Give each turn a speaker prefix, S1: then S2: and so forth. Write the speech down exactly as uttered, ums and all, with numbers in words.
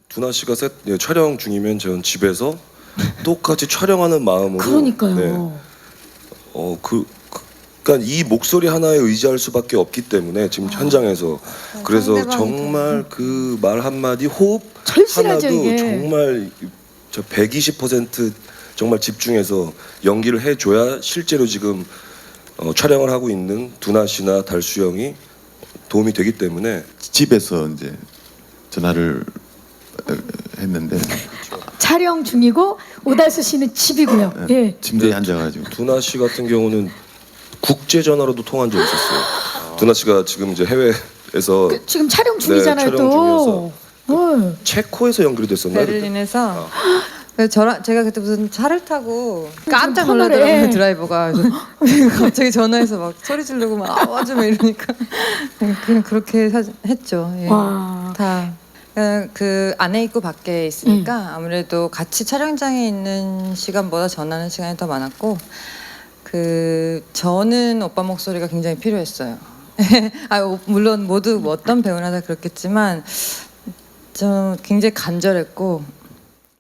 S1: 두나 씨가 셋, 예, 촬영 중이면 저는 집에서 똑같이 촬영하는 마음으로.
S2: 그러니까요.
S1: 네. 어, 그, 그, 그러니까 이 목소리 하나에 의지할 수밖에 없기 때문에 지금 현장에서 그래서
S3: 상대방이
S1: 정말 그 말 한마디 호흡
S2: 절실하죠,
S1: 하나도
S2: 이게.
S1: 정말 저 백이십 퍼센트 정말 집중해서 연기를 해줘야 실제로 지금 어, 촬영을 하고 있는 두나 씨나 달수 형이 도움이 되기 때문에.
S4: 집에서 이제 전화를 어, 했는데
S2: 촬영 중이고 오달수 씨는 집이고요.
S4: 네.
S2: 예.
S4: 침대에 앉아가지고
S1: 두나 씨 같은 경우는 국제 전화로도 통한 적이 있었어요. 두나 씨가 지금 이제 해외에서
S2: 그, 지금 촬영 중이잖아요
S1: 네, 촬영
S2: 또. 어.
S1: 체코에서 연결이 됐었나요?
S3: 베를린에서 그래서 저랑 제가 그때 무슨 차를 타고 깜짝
S2: 터널에.
S3: 놀라더라고요 드라이버가. 그래서 갑자기 전화해서 막 소리 지르고 막 아와주 막 이러니까 그냥 그렇게 사, 했죠. 예.
S2: 와.
S3: 다. 그냥 그 안에 있고 밖에 있으니까 아무래도 같이 촬영장에 있는 시간보다 전하는 시간이 더 많았고, 그 저는 오빠 목소리가 굉장히 필요했어요. 아 물론 모두 뭐 어떤 배우나 다 그렇겠지만 좀 굉장히 간절했고